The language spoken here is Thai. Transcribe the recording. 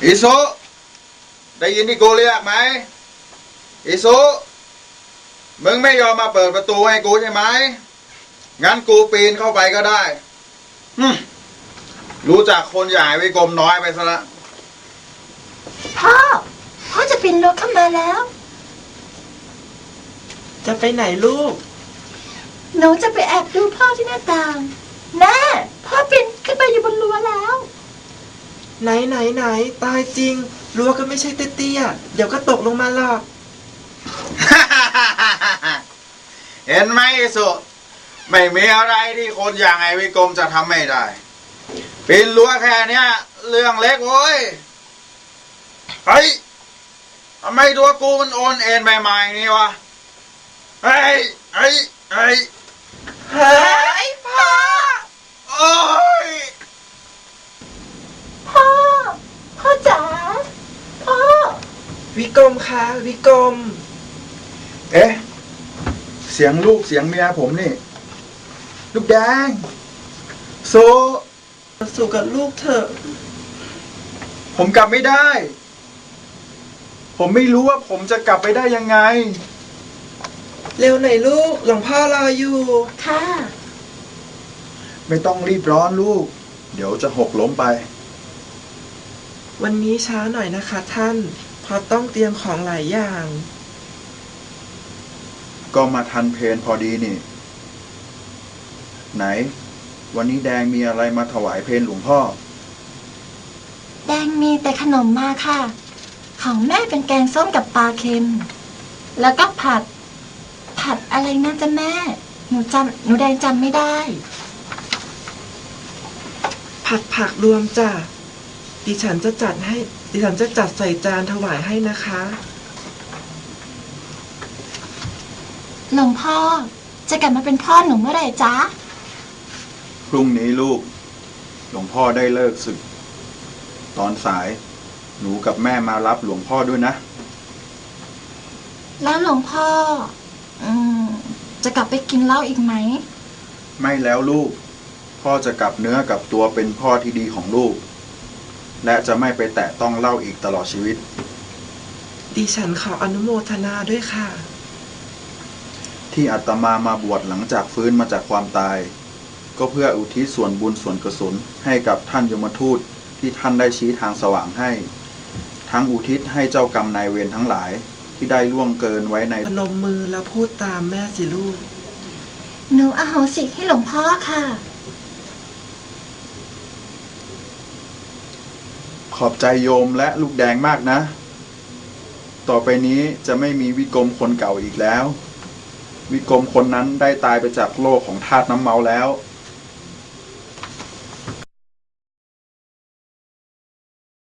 อิสุได้ยินที่กูเรียกไหมอิสุมึงไม่ยอมมาเปิดประตูให้กูใช่ไหมงั้นกูปีนเข้าไปก็ได้รู้จักคนใหญ่วิกรมน้อยไปซะละพ่อจะปีนรั้วเข้ามาแล้วจะไปไหนลูกหนูจะไปแอบดูพ่อที่หน้าต่างแม่พ่อปีนขึ้นไปอยู่บนรั้วแล้วไหนตายจริงรั้วก็ไม่ใช่เตี้ยๆเดี๋ยวก็ตกลงมาหรอกเห็นไหมอิสุไม่มีอะไรที่คนอย่างไอ้วิกรมจะทำไม่ได้ปีนรั้วแค่เนี้ยเรื่องเล็กโว้ยเฮ้ยทำไมตัวกูมันโอนเอ็นไปมาอย่างนี้วะเฮ้ยพ่อโอ้ยพ่อจ๋าพ่อวิกรมคะวิกรมเอ๊ะเสียงลูกเสียงเมียผมนี่ลูกแดงสู่กับลูกเถอะผมกลับไม่ได้ผมไม่รู้ว่าผมจะกลับไปได้ยังไงเร็วหน่อยลูกหลวงพ่อรออยู่ค่ะไม่ต้องรีบร้อนลูกเดี๋ยวจะหกล้มไปวันนี้ช้าหน่อยนะคะท่านเพราะต้องเตรียมของหลายอย่างก็มาทันเพลพอดีนี่ไหนวันนี้แดงมีอะไรมาถวายเพลหลวงพ่อแดงมีแต่ขนมมาค่ะของแม่เป็นแกงส้มกับปลาเค็มแล้วก็ผัดอะไรนะจ๊ะแม่หนูแดงจำไม่ได้ผัดผักรวมจ้ะดิฉันจะจัดใส่จานถวายให้นะคะหลวงพ่อจะกลับมาเป็นพ่อหนูเมื่อไหร่จ๊ะพรุ่งนี้ลูกหลวงพ่อได้เลิกศึกตอนสายหนูกับแม่มารับหลวงพ่อด้วยนะแล้วหลวงพ่อจะกลับไปกินเหล้าอีกไหมไม่แล้วลูกพ่อจะกลับเนื้อกลับตัวเป็นพ่อที่ดีของลูกและจะไม่ไปแตะต้องเหล้าอีกตลอดชีวิตดิฉันขออนุโมทนาด้วยค่ะที่อาตมาบวชหลังจากฟื้นมาจากความตายก็เพื่ออุทิศส่วนบุญส่วนกุศลให้กับท่านยมทูตที่ท่านได้ชี้ทางสว่างให้ทั้งอุทิศให้เจ้ากรรมนายเวรทั้งหลายที่ได้ล่วงเกินไว้ในพนมมือแล้วพูดตามแม่สิลูกหนูอโหสิให้หลวงพ่อค่ะขอบใจโยมและลูกแดงมากนะต่อไปนี้จะไม่มีวิกรมคนเก่าอีกแล้ววิกรมคนนั้นได้ตายไปจากโลกของธาตุน้ำเมาแล้ว